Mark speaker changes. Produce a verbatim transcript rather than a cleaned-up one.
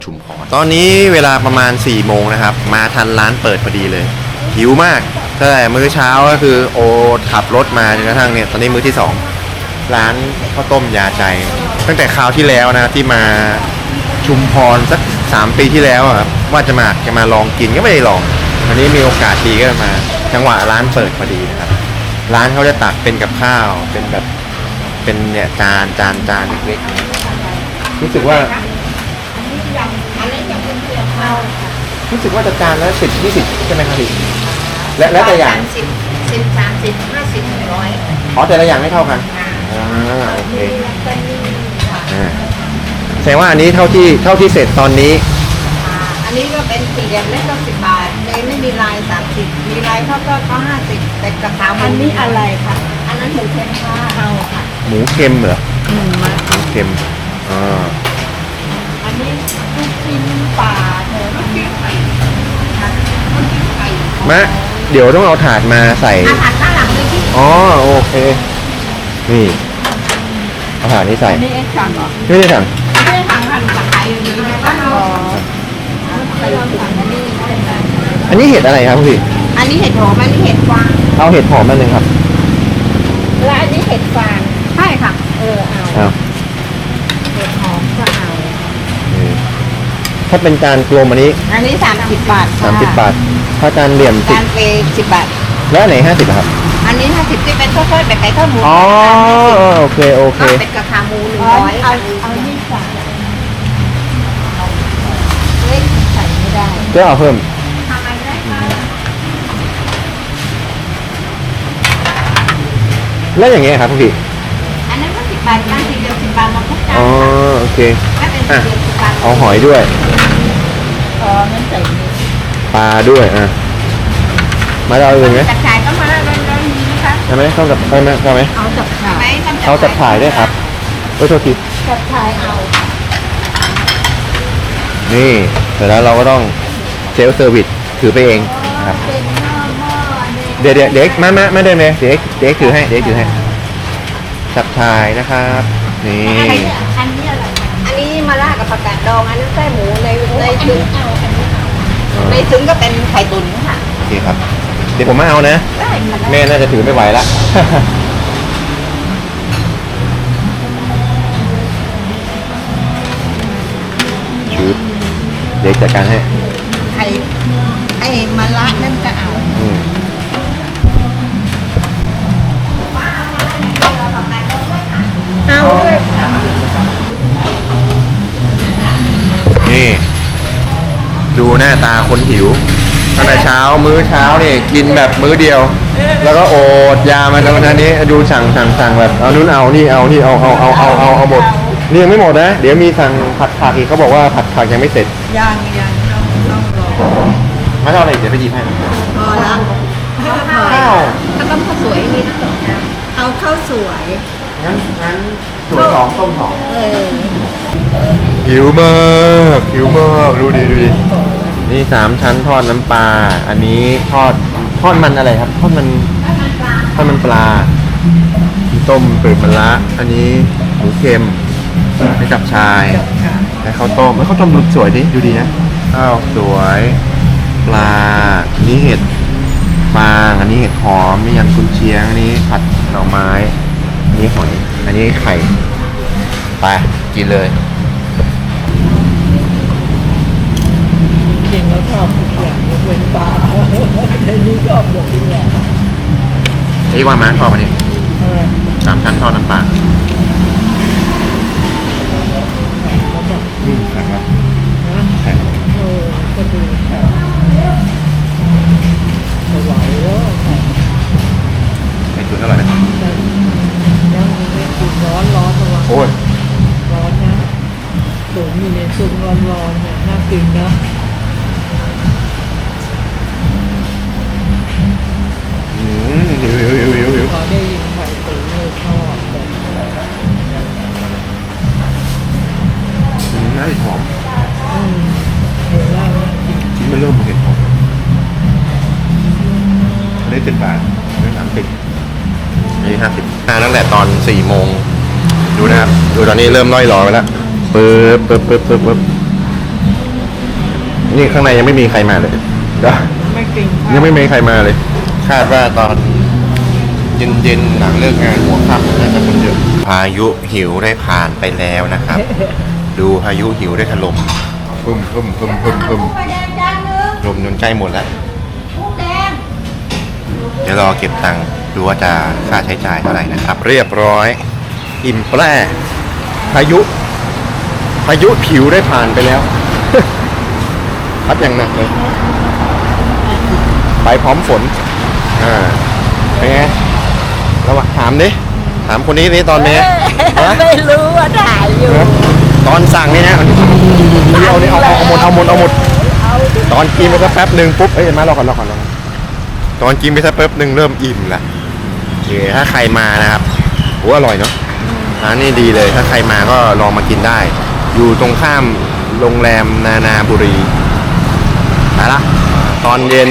Speaker 1: ชุมพรตอนนี้เวลาประมาณสี่โมงนะครับมาทันร้านเปิดพอดีเลยหิวมากตั้งแต่มื้อเช้าก็คือโอขับรถมาจนกระทั่งเนี่ยตอนนี้มื้อที่สองร้านข้าวต้มยาใจตั้งแต่คราวที่แล้วนะที่มาชุมพรสักสามปีที่แล้วครับว่าจะมาจะมาลองกินก็ไม่ได้ลองวันนี้มีโอกาสดีก็มาจังหวะร้านเปิดพอดีนะครับร้านเขาจะตักเป็นกับข้าวเป็นแบบเป็นเนี่ยจานจานจานเล็กๆรู้สึกว่ารู้สึกว่าจะจานละสิบยี่สิบใช่ไหมครับพี่และและแต่อย่าง
Speaker 2: สิบสิบสามสิบห้าสิบหนึ่งร้อย
Speaker 1: อ๋อแต่ละอย่างไม่เท่ากันอ่าโอเคอ่าแสดงว่าอันนี้เท่าที่เท่าที่เสร็จตอนนี้
Speaker 2: อันนี้ก็เป็นสี่เหลี่ยมเล็กก็สิบบาทเลยไม่มีลายสามสิบมีลายเท่าก็ก็ห้าสิบแต่กระเพราอันนี้อะไรคะอันนั้นหมูเค็มค่ะเอาค่ะ
Speaker 1: หมูเค็มเหรอ
Speaker 2: อืมมา
Speaker 1: หมูเค็มอ่า
Speaker 2: อันนี้ลูกชิ้นปลาเธอลูกชิ้นไก่ลูกชิ้นไก่
Speaker 1: มะเดี๋ยวต้องเอาถาดมาใส่
Speaker 2: ถาดข้างหลังเลยที่
Speaker 1: อ๋อโอเคนี่เอาถาดนี้ใส่
Speaker 2: อันนี้เอ็กซ์สั่งเหรอ
Speaker 1: ไม่ได้สั่ง
Speaker 2: ไม่ได้สั่งค่ะหนูสั่งขายอยู่เลยต้องรอไปลองสั่งอันนี้
Speaker 1: อันนี้เห็ดอะไรครับพี่
Speaker 2: อันนี้เห็ดหอมอันนี้เห็ดฟาง
Speaker 1: เอาเห็ดหอมมาเลยครับ
Speaker 2: และอันนี้เห็ดฟางใช่ค่ะเออเอาเห็ดหอมก็เอา
Speaker 1: ถ้าเป็นจานกลมอันนี้
Speaker 2: อันนี้สามสิบบาท
Speaker 1: สามสิบบาทถ้าจานเหลี่ยม
Speaker 2: จานเปสิบบาท
Speaker 1: แล้วไหนห้าสิบครับ
Speaker 2: อันนี้ห้าสิบที่เป็นข้าวโพดแบบไก่ข้าวหมู
Speaker 1: อ๋อโอเคโอเค
Speaker 2: เป็นกระเพราหมูหนึ่งร้อยเอาเอานี่ใส่เล็กใส่ไม่ได้
Speaker 1: ก็เอาเพิ่ม
Speaker 2: ทำอะไรได้คะ
Speaker 1: แล้วอย่างเงี้ยครับพี่
Speaker 2: อันนั้นก็สิบบาทจานสี่เหลี่ยมสิบบาทมาทุกจาน
Speaker 1: อ๋อโอเค
Speaker 2: ถ้าเป็นสี่เหลี่ยมสิบบาท
Speaker 1: เอาหอยด้วย
Speaker 2: อ๋องั้นใส่
Speaker 1: ปลาด้วยอ่ะมาเราอื่นไหม
Speaker 2: จับฉ่ายก็มาแล้วร้อนๆนี้นะคะ
Speaker 1: ใช่ไหมต้องจับใช่ไหมใช่ไหม
Speaker 2: เอาจับฉ่าย
Speaker 1: เอาจับฉ่ายด้วยครับโอ้ยโทษที
Speaker 2: จับฉ่ายเอา
Speaker 1: นี่เสร็จแล้วเราก็ต้องเซลฟ์เซอร์วิสถือไปเองนะครับเดี๋ยวเดี๋ยวเด็กมามามาเดินเลยเด็กเด็กถือให้เด็กถือให้จับฉ่ายนะครับนี่
Speaker 2: อันนี้อะไรอันนี้มาล่ากับผักกาดดองอันนั้นไส้หมูในในถุงในถุงก็เป็นไข่ตุ๋นค่ะ
Speaker 1: โอเคครับเดี๋ยวผมมาเอานะแม่น่าจะถือไม่ไหวละชุดเด็กจัดการให้
Speaker 2: ไข่ไอ้มาละนั่นก็เอาเอาด้วย
Speaker 1: นี่ดูหน้าตาคนหิวตั้งแต่เช้ามื้อเช้านี่กินแบบมื้อเดียวแล้วก็โอดยามาตอนนี้ดูสั่งสั่งสั่งแบบเอานู่นเอานี่เอานี่เอาเอาเอาเอาเอาเอาหมดนี่ยังไม่หมดนะเดี๋ยวมีสั่งผัดผักอีกเขาบอกว่าผัดผักยังไม่เสร็จ
Speaker 2: ยังยังต้องต้องรอ
Speaker 1: ไม่เท่าไรเดี๋ยวไปหยิบให้
Speaker 2: พอละข้าวข้าวต้มข้าวสวยนี่นะเอาข้าวสวย
Speaker 1: งั้นงั้นสวยสองต้มสอง
Speaker 2: เออ
Speaker 1: หิวมากหิวมากดูดิดูดินี่สามชั้นทอดน้ำปลาอันนี้ทอดทอดมันอะไรครับทอดมันทอดมันปลาต้มเปิดมะระอันนี้หมูเค็มให้จับชายและข้าวต้มแล้วข้าวต้มดูสวยดิดูดีนะข้าวสวยปลาอันนี้เห็ดฟางอันนี้เห็ดหอมนี่ยำกุนเชียงอันนี้ผัดหน่อไม้อันนี้หอยอันนี้ไข่ไปกินเลย
Speaker 2: จริงแล้วชอบทุกอย่างยกเว้นปลาในนี้ชอบหมดทุกอย่าง
Speaker 1: ไอ้ว่าม้าชอบอันนี้สามชั้นทอดน้ำปลาอืมแข็งครับแข็ง
Speaker 2: เออก็ดูแข็งสบายแล้ว
Speaker 1: ไข่ตุ๋นอร่อยไหม
Speaker 2: ยังไม่กินร้อนร้อนระวัง
Speaker 1: โอ้ย
Speaker 2: ร้อนนะตุ๋นอยู่ในซุปร้อนๆเนี่ยน่ากินนะ
Speaker 1: อืมหิวหิวหิวหิวหิว
Speaker 2: พอได้ยินไข่ตุ๋นเลยชอบแบบ
Speaker 1: อืมน่าจะหอม
Speaker 2: อืมเห็นแล้วน่ากิน
Speaker 1: ชิ้นมันเริ่มเห็นหอมอันนี้สิบบาทอันนี้สามสิบอันนี้ห้าสิบมาตั้งแต่ตอนสี่โมงดูนะครับดูตอนนี้เริ่มล่อยหลอไปแล้วปึ๊บปึ๊บปึ๊บปึ๊บปึ๊บนี่ข้างในยังไม่มีใครมาเลยเดี๋ยว
Speaker 2: ไม่กิน
Speaker 1: ยังไม่มีใครมาเลย คาดว่าตอนเย็นๆหลังเลิกงานหัวค่ำน่าจะคนเยอะพายุหิวได้ผ่านไปแล้วนะครับ ดูพายุหิวได้ถล่มพึ่มพึ่มพึ่มพึ่มพึ่ม
Speaker 2: ไฟแดงจานนึง
Speaker 1: ลมจนใกล้หมดแล้ว
Speaker 2: กุ้งแดง
Speaker 1: เดี๋ยวรอเก็บตังค์ดูว่าจะค่าใช้จ่ายเท่าไหร่นะครับ เรียบร้อย อิ่มแปร่พายุ พายุผิวได้ผ่านไปแล้ว พัดอย่างหนักเลย ไปพร้อมฝน อ่า เป็นไงระหว่างถามดิ ถามคนนี้นี่ตอนนี้ฮะ
Speaker 2: ไม่รู้ว่าถ่ายอยู่
Speaker 1: ตอนสั่งนี่นะเอาเนี่ยเอาเอาเอาหมดเอาหมดเอาหมด ตอนกินไปสักแป๊บหนึ่งปุ๊บ เอ้ยมารอก่อนรอก่อนรอก่อนตอนกินไปสักแป๊บหนึ่งเริ่มอิ่มละโอเคถ้าใครมานะครับโอ้อร่อยเนาะร้านนี้ดีเลย ถ้าใครมาก็ลองมากินได้ อยู่ตรงข้ามโรงแรมนานาบุรีไปละตอนเย็น